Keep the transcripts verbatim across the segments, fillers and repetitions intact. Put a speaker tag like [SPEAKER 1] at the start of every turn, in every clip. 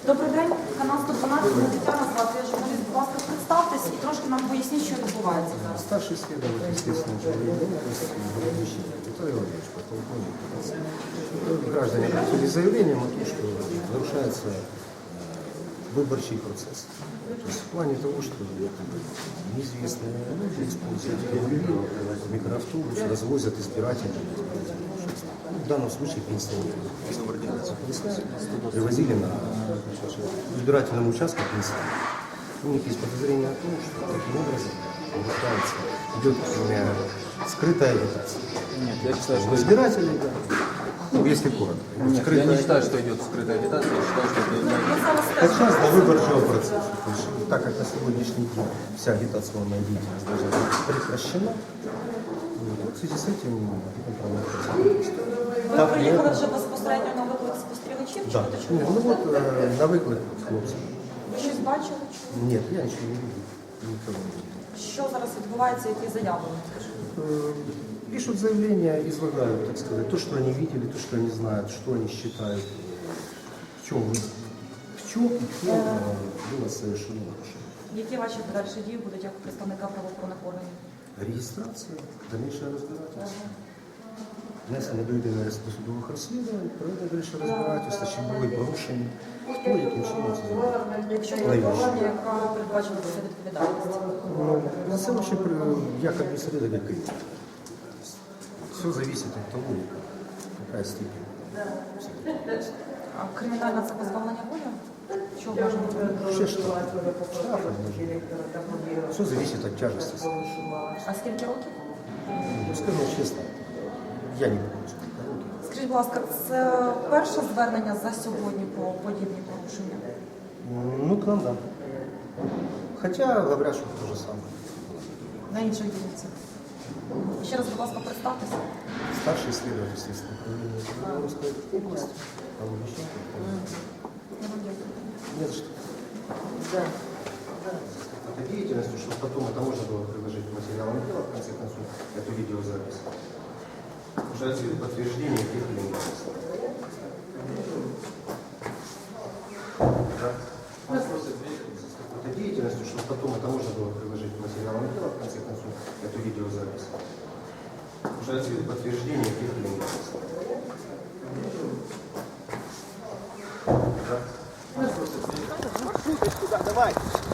[SPEAKER 1] Добрий день, канал сто дванадцять, мене Тетяна звати, я журналіст, будь ласка, представтесь і трошки нам поясніть, що відбувається зараз.
[SPEAKER 2] Старший следователь естественного управления Виталий Владимирович, подполковник. Граждане обратили заявление о том, что нарушается выборчий процесс. То есть в плане того, что неизвестные люди используют микроавтобус, развозят избирателей. В данном случае пенсионеры. Привозили на избирательном участке пенсионеров. У них есть подозрение о том, что таким образом нарушается, идет скрытая агитация.
[SPEAKER 3] Нет, я считаю, что
[SPEAKER 2] избирателей, да. Ну, если коротко.
[SPEAKER 3] Нет, я не считаю, что идет скрытая агитация, я считаю, что это...
[SPEAKER 2] Сейчас до выборчего процесса. То есть, так как на сегодняшний день вся агитационная деятельность должна быть прекращена, вот в связи с этим будем проводить.
[SPEAKER 1] Ви приїхали вже безпосередньо на виклик спостерігачів?
[SPEAKER 2] Да.
[SPEAKER 1] Чи чому?
[SPEAKER 2] Ну вот э, на выклик хлопцев.
[SPEAKER 1] Ви щось бачили? Чули?
[SPEAKER 2] Нет, я ничего не видел. Никого не видел.
[SPEAKER 1] Що зараз відбувається, які заяви?
[SPEAKER 2] Э, Пишут заявления, излагают, так сказать, то, что они видели, то, что они знают, что они считают, в чем, в чем и в чем э, было совершено нарушение.
[SPEAKER 1] Які ваші подальші дії будуть як представника правоохоронних органів?
[SPEAKER 2] Регистрация, дальнейшее разбирательство. Внесення до єдиного реєстру судових розслідувань, проведення дальше розбирательства, чи були порушені, хто яким чином це зробив.
[SPEAKER 1] Якщо є порушення, яка передбачена за відповідальність?
[SPEAKER 2] Ну, на це вообще як адміністратор, як і. Все зависит от того, какая степень.
[SPEAKER 1] А кримінальна це позбавлення волі? Чого може бути?
[SPEAKER 2] Все штрафы. Штрафы нужны. Все зависит от тяжести.
[SPEAKER 1] А скільки років?
[SPEAKER 2] Ну, скажу честно, я не помню, сколько років.
[SPEAKER 1] Скажіть, будь ласка, це перше звернення за сьогодні про подібні порушення?
[SPEAKER 2] Ну, к нам, да. Хотя говорят, что то же самое.
[SPEAKER 1] На інших дільницях? Ще раз, будь ласка, представтеся.
[SPEAKER 2] Старший следователь следственного управления Кемеровской области. Павел Мещенко.
[SPEAKER 1] Я вам дякую.
[SPEAKER 2] Не за что. Да. Это деятельностью, чтобы потом это можно было приложить к материалам дела, в конце концов, эту видеозапись. Уже подтверждение тех или иных действий. Да. Это деятельностью, чтобы потом это можно было приложить к материалам дела, в конце концов, эту видеозапись. Уже подтверждение тех или иных действий. Да.
[SPEAKER 4] Давай.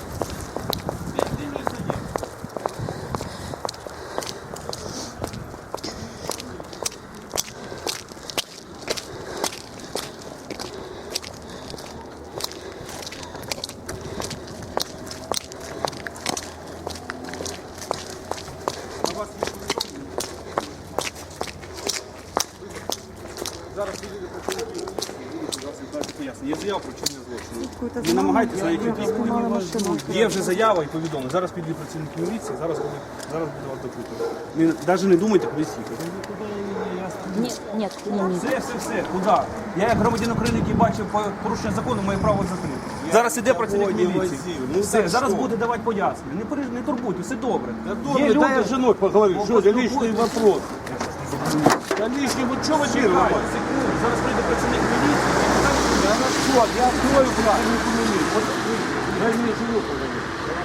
[SPEAKER 4] Зараз підійде працівники. Є заява про вчинення злочину. Не намагайтеся на яких є вже заява і повідомлення. Зараз підійде працівники міліції, зараз буде, зараз буде вас допитувати. Не, навіть не думайте, куди їхати.
[SPEAKER 5] Нет, нет, не, не.
[SPEAKER 4] Все, все, все, куди? Я як громадянин України, який бачив порушення закону, має право закрити. Зараз іде працівник міліції. Все, зараз буде давати пояснення. Не, переж- не турбуйте, все добре. Є люди...
[SPEAKER 6] Дай с женой поговорить, что это личный вопрос. Да лишний, вот что вы делаете?
[SPEAKER 4] Секунду, зараз прийде працівник міліції.
[SPEAKER 6] Хорошо, я открою працівнику милиции. Дай мне жену поговорить.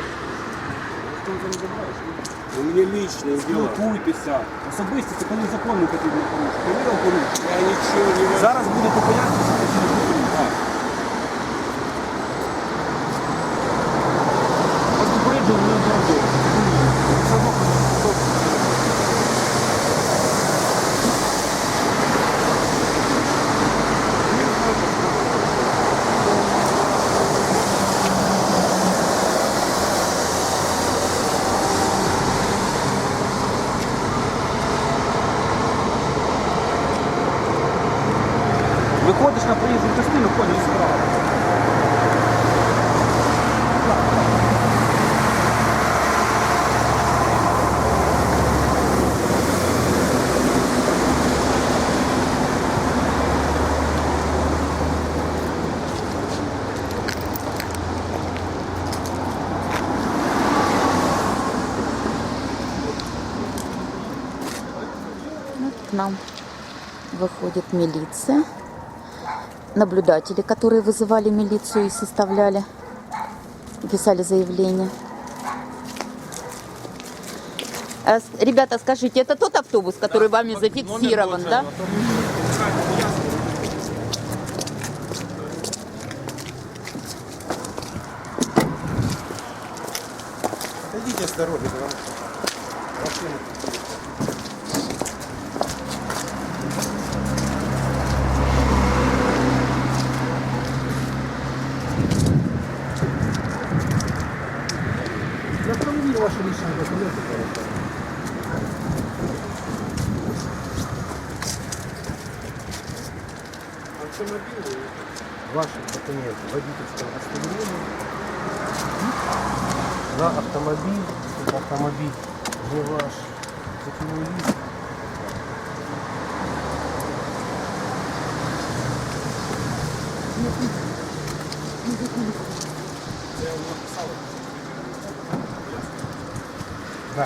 [SPEAKER 6] У меня личные дела.
[SPEAKER 4] Спілкуйтеся. Особисто це коли закон не потрібно порушити. Повірив порушити.
[SPEAKER 6] Я ничего не могу.
[SPEAKER 4] Зараз будете пояснювати, що не потрібно. Вас попереджили не одноразово. Все одно виходиш на проїзну частину, ходиш справа.
[SPEAKER 5] К нам выходит милиция.
[SPEAKER 7] наблюдатели, которые вызывали милицию и составляли, и писали заявление. А, с- Ребята, скажите, это тот автобус, который вами зафиксирован, да?
[SPEAKER 2] Отойдите с дороги, потому что машины. Я проверил ваши личные документы, пожалуйста. Ваши документы, водительское удостоверение на автомобиль, это автомобиль не ваш, путевой лист. Да.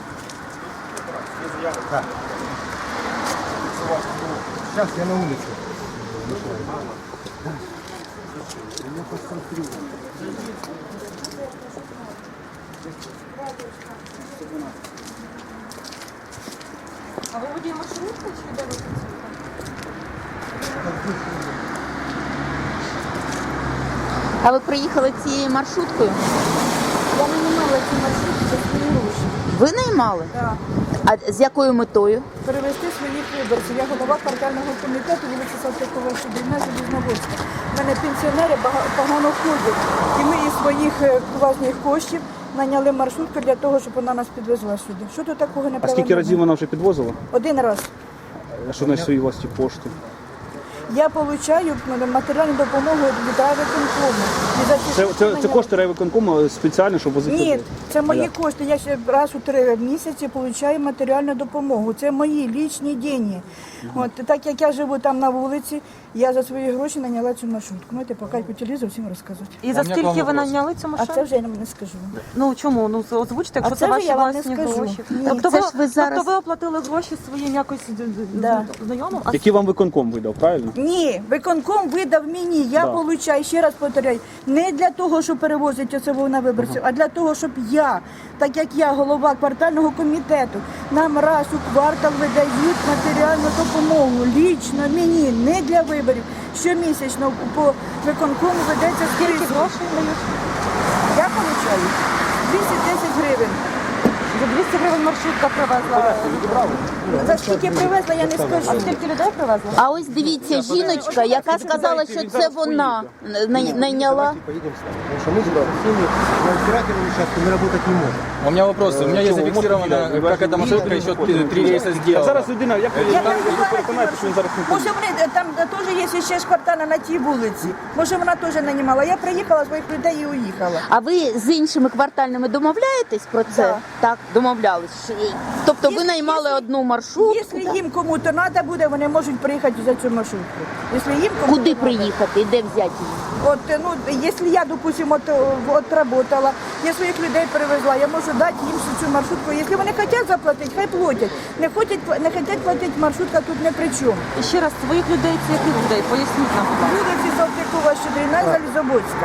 [SPEAKER 2] Да. Сейчас я на улице. Я посмотрю.
[SPEAKER 1] А ви водій маршрутки чи де ви працюєте?
[SPEAKER 7] А ви приїхали цією маршруткою?
[SPEAKER 1] Я не мала ці маршрутки за свої гроші.
[SPEAKER 7] Ви наймали?
[SPEAKER 1] Так.
[SPEAKER 7] А з якою метою?
[SPEAKER 1] Перевести своїх виборців. Я голова квартального комітету вулиці Салтикова, Щедрівна, Залізногорська. У мене пенсіонери бага- погано ходять. І ми із своїх е, власних коштів наняли маршрутку для того, щоб вона нас підвезла сюди. Що тут такого не
[SPEAKER 4] А скільки разів вона вже підвозила?
[SPEAKER 1] Один раз.
[SPEAKER 4] А що значить свої власні кошти?
[SPEAKER 1] Я отримую матеріальну допомогу від райвиконкому. І за ці
[SPEAKER 4] Це,
[SPEAKER 1] кошти
[SPEAKER 4] це, це
[SPEAKER 1] наняли-
[SPEAKER 4] кошти райвиконкому спеціально, щоб возити
[SPEAKER 1] Ні,
[SPEAKER 4] людей?
[SPEAKER 1] це мої
[SPEAKER 4] як?
[SPEAKER 1] кошти. Я ще раз у три місяці отримую матеріальну допомогу. Це мої лічні гроші. От так як я живу там на вулиці, я за свої гроші наняла цю маршрутку. Можете поки по телевізору всім розказувати.
[SPEAKER 5] І за
[SPEAKER 3] У мене
[SPEAKER 5] скільки
[SPEAKER 3] к вам
[SPEAKER 5] ви
[SPEAKER 3] вопрос.
[SPEAKER 5] наняли цю
[SPEAKER 1] А
[SPEAKER 5] машину?
[SPEAKER 1] це вже я вам не скажу.
[SPEAKER 5] Ну чому? Ну озвучте, якщо
[SPEAKER 1] А
[SPEAKER 5] це,
[SPEAKER 1] це вже
[SPEAKER 5] ваші
[SPEAKER 1] я вам не
[SPEAKER 5] власні
[SPEAKER 1] скажу.
[SPEAKER 5] гроші.
[SPEAKER 1] Ні.
[SPEAKER 5] Тобто,
[SPEAKER 7] Це
[SPEAKER 5] ви,
[SPEAKER 7] ж ви зараз-
[SPEAKER 5] тобто ви оплатили гроші своїм якось д- д-
[SPEAKER 1] Да.
[SPEAKER 5] знайомим? А
[SPEAKER 4] Які вам виконком видав, правильно?
[SPEAKER 1] Ні, виконком видав мені. Я
[SPEAKER 4] Да.
[SPEAKER 1] получаю, ще раз повторяю, не для того, щоб перевозити особу на виборців, а для того, щоб я, так як я голова квартального комітету, нам раз у квартал видають матеріальну допомогу. Лічно мені, не для виборів. Щомісячно по виконкому ведеться
[SPEAKER 5] скільки
[SPEAKER 1] список.
[SPEAKER 5] грошей дають?
[SPEAKER 1] Я получаю двісті десять гривень.
[SPEAKER 5] За двісті гривень маршрутка привезла.
[SPEAKER 1] За скільки привезла, я не
[SPEAKER 5] А
[SPEAKER 1] скажу.
[SPEAKER 5] скільки людей привезла?
[SPEAKER 7] А ось дивіться, жіночка, яка сказала, що це вона най- найняла.
[SPEAKER 2] Поедем с вами, потому что мы с всеми на избирательном участке мы работать не можем.
[SPEAKER 3] У меня вопрос. У меня есть зафиксировано, как эта маршрутка еще три рейса
[SPEAKER 4] А
[SPEAKER 3] сделала.
[SPEAKER 4] зараз людина, як ви
[SPEAKER 1] Я
[SPEAKER 4] я
[SPEAKER 1] там була
[SPEAKER 4] переконаєте, що він зараз не
[SPEAKER 1] Може вони е, там е, теж є ще ж квартальна на тій вулиці. Може вона теж нанімала. Я приїхала своїх людей і уїхала.
[SPEAKER 7] А ви з іншими квартальними домовляєтесь про це?
[SPEAKER 1] Да.
[SPEAKER 7] Так, домовлялись. Що- Тобто ви
[SPEAKER 1] Якщо-
[SPEAKER 7] наймали
[SPEAKER 1] якщо-
[SPEAKER 7] одну маршрутку.
[SPEAKER 1] Якщо їм кому-то треба буде, вони можуть приїхати за цю маршрутку. Якщо їм кому-то
[SPEAKER 7] Куди
[SPEAKER 1] надо.
[SPEAKER 7] приїхати і де взяти її?
[SPEAKER 1] От, е, ну, якщо я, допустимо, от, е, отработала, я своїх людей перевезла, я можу дати їм всю цю маршрутку. Якщо вони хочуть заплатити, хай платять. Не хочуть, не хочуть платити, маршрутка тут не при чому.
[SPEAKER 5] І ще раз, своїх людей це яких людей? Поясніть нам, будь ласка.
[SPEAKER 1] Вулиці Салтикова, Щедрівна, Залізобоцька.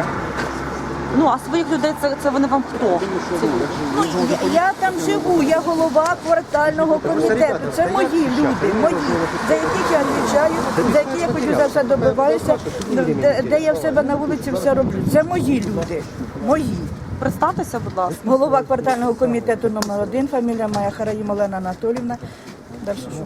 [SPEAKER 5] Ну, а своїх людей це, це вони вам хто? Це-
[SPEAKER 1] Ну, я, я там живу, я голова квартального комітету. Це мої люди, мої, за яких я відвічаю, за які я хочу за все добиваюся, де, де я в себе на вулиці все роблю. Це мої люди, мої.
[SPEAKER 5] Представтеся, будь ласка.
[SPEAKER 1] Голова квартального комітету номер один, фамілія моя Хараїм Олена Анатоліївна. Далі що?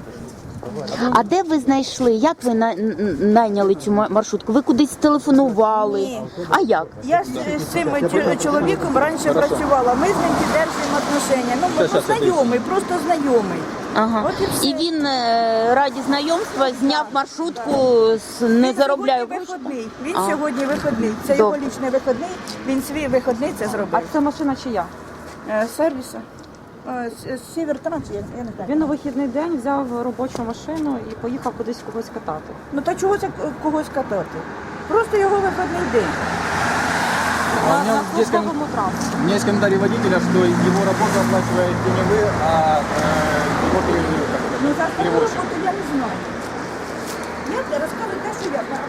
[SPEAKER 7] А де ви знайшли? Як ви на- н- найняли цю ма- маршрутку? Ви кудись телефонували?
[SPEAKER 1] Ні.
[SPEAKER 7] А як?
[SPEAKER 1] Я з, з цим чо- чоловіком раніше працювала, ми з ним підтримуємо отношення. Ну, ми ну, знайомий, просто знайомий.
[SPEAKER 7] Ага.
[SPEAKER 1] От і все.
[SPEAKER 7] І він е, раді знайомства зняв маршрутку, з не
[SPEAKER 1] Він
[SPEAKER 7] заробляє
[SPEAKER 1] сьогодні
[SPEAKER 7] гроші.
[SPEAKER 1] виходний. Він
[SPEAKER 7] А.
[SPEAKER 1] сьогодні виходний. Це його
[SPEAKER 7] Добре.
[SPEAKER 1] лічний виходний. Він свій виходний це
[SPEAKER 5] А
[SPEAKER 1] зробив.
[SPEAKER 5] це машина чия?
[SPEAKER 1] Е, Сервіса. Е, с- Сівер Транс, я, я не знаю.
[SPEAKER 5] Він у вихідний день взяв робочу машину і поїхав кудись когось катати.
[SPEAKER 1] Ну та чого це к- когось катати? Просто його виходний день.
[SPEAKER 5] На,
[SPEAKER 3] у меня
[SPEAKER 5] на
[SPEAKER 3] здесь ком-
[SPEAKER 5] службовому транспорті.
[SPEAKER 3] У меня есть комментарий водителя, что его работу оплачиваете не вы, а э, его пере- как это,
[SPEAKER 1] Ну за свою
[SPEAKER 3] перевозчик.
[SPEAKER 1] роботу я не знаю. Я розказую те, що я знаю.